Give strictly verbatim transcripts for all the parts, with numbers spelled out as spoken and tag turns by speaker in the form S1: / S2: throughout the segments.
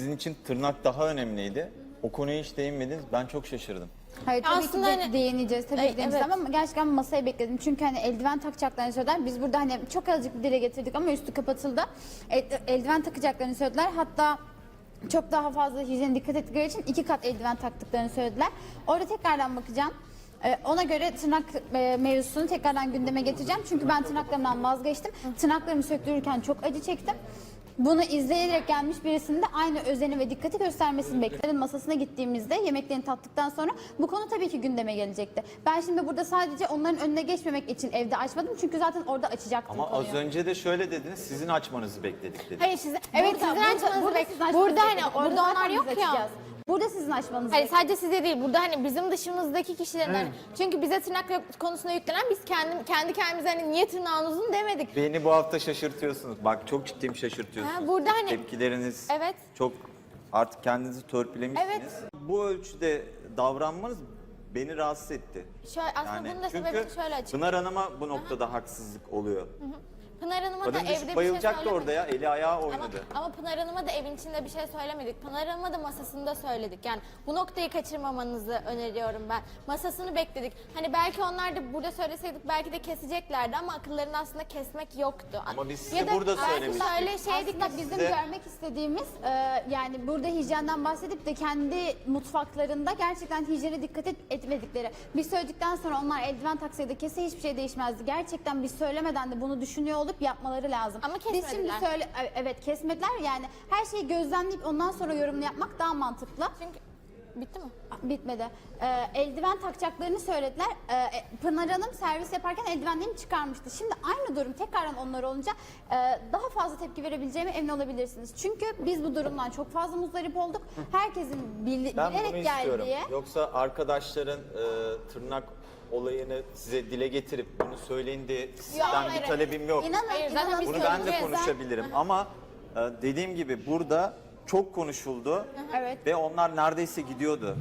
S1: sizin için tırnak daha önemliydi. O konuya hiç değinmediniz. Ben çok şaşırdım.
S2: Hayır tabii
S3: Aslında
S2: ki de
S3: hani-
S2: değineceğiz tabii
S3: Ay,
S2: ki değineceğiz
S3: evet.
S2: ama gerçekten masaya bekledim. Çünkü hani eldiven takacaklarını söylediler. Biz burada hani çok azıcık bir dile getirdik ama üstü kapatıldı. El- eldiven takacaklarını söylediler. Hatta çok daha fazla hijyene dikkat ettikleri için iki kat eldiven taktıklarını söylediler. Orada tekrardan bakacağım. Ee, ona göre tırnak e, mevzusunu tekrardan gündeme getireceğim. Çünkü ben tırnaklarımdan vazgeçtim. Tırnaklarımı söktürürken çok acı çektim. Bunu izleyerek gelmiş birisinin de aynı özeni ve dikkati göstermesini bekledim. Masasına gittiğimizde yemeklerini tattıktan sonra bu konu tabii ki gündeme gelecekti. Ben şimdi burada sadece onların önüne geçmemek için evde açmadım. Çünkü zaten orada açacaktım
S1: Ama
S2: konuyu.
S1: az önce de şöyle dediniz, sizin açmanızı bekledik dediniz.
S2: Hayır size,
S3: Evet,
S2: burada-
S3: sizin
S2: burada-
S3: açmanızı
S2: burada
S3: bek-
S2: sizin açmanızı
S3: burada hani
S2: bekledik.
S3: orada
S2: zaten
S3: onlar
S2: biz
S3: yok ya.
S2: açacağız. Burada sizin açmanızı
S3: Hayır
S2: bekledik.
S3: sadece size değil, burada hani bizim dışımızdaki kişilerin hani, çünkü bize tırnak yok- konusunda yüklenen biz kendi, kendi kendimize hani niye tırnağın uzun demedik.
S1: Beni bu hafta şaşırtıyorsunuz. Bak çok ciddiyim, şaşırtıyorsunuz.
S3: Ha, burada hani-
S1: Tepkileriniz
S3: Evet.
S1: çok artık kendinizi törpülemişsiniz.
S3: Evet.
S1: Bu ölçüde davranmanız beni rahatsız etti.
S3: Şöyle, aslında
S1: Yani
S3: bunun da
S1: çünkü
S3: sebebi şöyle açık.
S1: Pınar Hanım'a bu noktada haksızlık oluyor.
S3: Pınar Hanım'a da
S1: Kadın
S3: evde bir
S1: düşüp
S3: şey
S1: bayılacaktı
S3: söylemedik.
S1: orada ya, eli ayağı
S3: Ama,
S1: oynadı.
S3: ama Pınar Hanım'a da evin içinde bir şey söylemedik. Pınar Hanım'a da masasında söyledik. Yani bu noktayı kaçırmamanızı öneriyorum ben. Masasını bekledik. Hani belki onlar da burada söyleseydik belki de keseceklerdi ama akıllarında aslında kesmek yoktu.
S1: Ama biz size
S3: Ya da
S1: burada
S3: belki
S1: söylemiştik.
S3: Şöyle şeydik
S2: Aslında bizim
S1: Size-
S2: görmek istediğimiz e, yani burada hijyenden bahsedip de kendi mutfaklarında gerçekten hijyene dikkat et, etmedikleri. Biz söyledikten sonra onlar eldiven taksaydı kese hiçbir şey değişmezdi. Gerçekten biz söylemeden de bunu düşünüyor olup yapmaları lazım.
S3: Ama
S2: Biz şimdi
S3: kesmediler.
S2: söyle evet kesmediler yani her şeyi gözlemleyip ondan sonra yorumunu yapmak daha mantıklı.
S3: Çünkü bitti mi?
S2: Bitmedi. Ee, eldiven takacaklarını söylediler. Ee, Pınar Hanım servis yaparken eldivenlerini çıkarmıştı. Şimdi aynı durum tekrardan onlar olunca e, daha fazla tepki verebileceğime emin olabilirsiniz. Çünkü biz bu durumdan çok fazla muzdarip olduk. Herkesin bil-
S1: Ben bunu
S2: bilerek
S1: istiyorum.
S2: geldiği...
S1: Yoksa arkadaşların e, tırnak olayını size dile getirip bunu söyleyin diye sizden
S3: hayır,
S1: bir talebim yok.
S2: İnanın,
S3: Hayır, zaten
S2: inanın.
S3: biz
S1: Bunu ben de
S3: söyleyeceğiz.
S1: konuşabilirim ama e, dediğim gibi burada çok konuşuldu
S2: Evet.
S1: ve onlar neredeyse gidiyordu.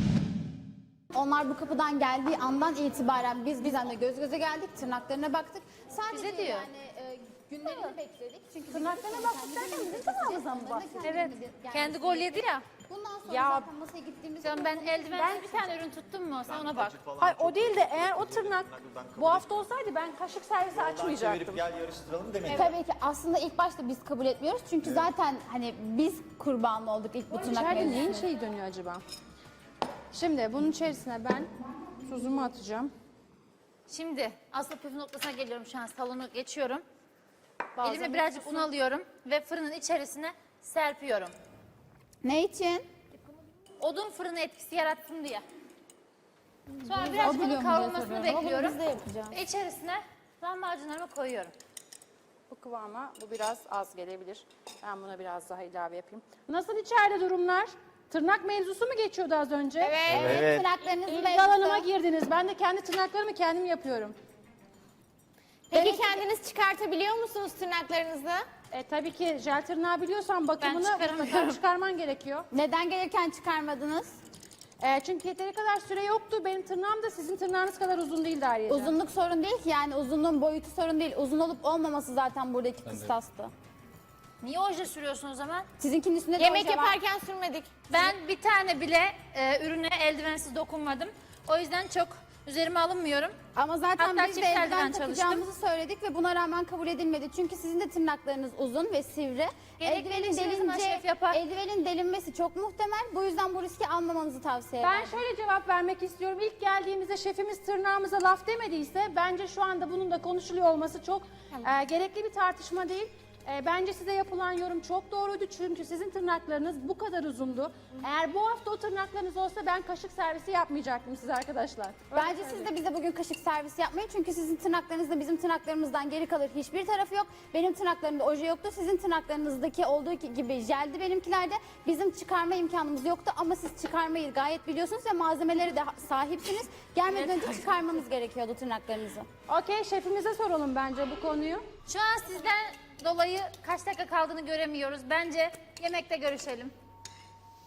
S2: Onlar bu kapıdan geldiği andan itibaren biz bizimle göz göze geldik, tırnaklarına baktık. Sadece
S4: Bize diyor.
S2: yani e, günlerini bekledik. Çünkü
S4: Tırnaklarına baktık derken bizim tırnağımızdan mı bahsediyor?
S2: Evet.
S4: Kendi gol yedi ya.
S2: Bundan sonra
S4: Ya,
S2: zaten masaya gittiğimizde...
S4: Canım ben eldivensiz bir tane ürün tuttum mu? Sen ona bak.
S5: Hayır o değil de eğer o tırnak bu hafta olsaydı ben kaşık servisi açmayacaktım.
S1: Çevirip gel yarıştıralım demedim.
S2: Tabii ki aslında ilk başta biz kabul etmiyoruz. Çünkü zaten hani biz kurban olduk ilk bu tırnak
S5: İçeride neyin
S2: mevzusuna.
S5: şeyi dönüyor acaba? Şimdi bunun içerisine ben tuzumu atacağım.
S4: Şimdi asıl püf noktasına geliyorum şu an. Salonu geçiyorum.
S5: Bazen
S4: Elime birazcık un alıyorum ve fırının içerisine serpiyorum.
S2: Ne için?
S4: Odun fırını etkisi yaratsın diye. Sonra
S2: O
S4: birazcık
S2: biliyor
S4: onun
S2: mu diye
S4: kavrulmasını
S2: soruyorum ama
S4: bekliyorum.
S2: biz de yapacağız.
S4: Ve içerisine lahmacunlarımı koyuyorum.
S5: Bu kıvama bu biraz az gelebilir. Ben buna biraz daha ilave yapayım. Nasıl içeride durumlar? Tırnak mevzusu mu geçiyordu az önce?
S3: Evet.
S1: Evet.
S2: Tırnaklarınızı
S5: İlgi
S2: mevzusu.
S5: alanıma girdiniz. Ben de kendi tırnaklarımı kendim yapıyorum.
S3: Peki kendiniz çıkartabiliyor musunuz tırnaklarınızı?
S5: E, tabii ki jel tırnağı biliyorsan bakımını
S4: çıkaramıyorum.
S5: mutlaka çıkarman gerekiyor.
S2: Neden gelirken çıkarmadınız?
S5: E, çünkü yeteri kadar süre yoktu. Benim tırnağım da sizin tırnağınız kadar uzun değildi ayrıca.
S2: Uzunluk sorun değil ki yani uzunluğun boyutu sorun değil. Uzun olup olmaması zaten buradaki kıstastı.
S4: Niye oje sürüyorsun o zaman?
S2: Sizinkinin üstünde de
S3: Yemek
S2: oje var.
S3: yaparken sürmedik.
S4: Ben bir tane bile e, ürüne eldivensiz dokunmadım. O yüzden çok üzerime alınmıyorum.
S2: Ama zaten
S4: Hatta
S2: biz de
S4: çift eldiven
S2: eldiven
S4: çalıştım.
S2: takacağımızı söyledik ve buna rağmen kabul edilmedi. Çünkü sizin de tırnaklarınız uzun ve sivri.
S4: Gerekli
S2: Eldivenin
S4: işini sana
S2: delince,
S4: şef yapar.
S2: eldivenin delinmesi çok muhtemel. Bu yüzden bu riski almamanızı tavsiye ederim.
S5: Ben şöyle cevap vermek istiyorum. İlk geldiğimizde şefimiz tırnağımıza laf demediyse bence şu anda bunun da konuşuluyor olması çok e, gerekli bir tartışma değil. E, bence size yapılan yorum çok doğruydu çünkü sizin tırnaklarınız bu kadar uzundu. Eğer bu hafta o tırnaklarınız olsa ben kaşık servisi yapmayacaktım size arkadaşlar.
S2: Bence siz de bize bugün kaşık servisi yapmayın. Çünkü sizin tırnaklarınızda bizim tırnaklarımızdan geri kalır hiçbir tarafı yok. Benim tırnaklarımda oje yoktu. Sizin tırnaklarınızdaki olduğu gibi jeldi benimkilerde. Bizim çıkarma imkanımız yoktu ama siz çıkarmayı gayet biliyorsunuz ve malzemeleri de sahipsiniz. Gelmeden önce çıkarmanız gerekiyordu tırnaklarınızı.
S5: Okey, şefimize soralım bence bu konuyu.
S4: Şu an sizden dolayı kaç dakika kaldığını göremiyoruz. Bence yemekte görüşelim.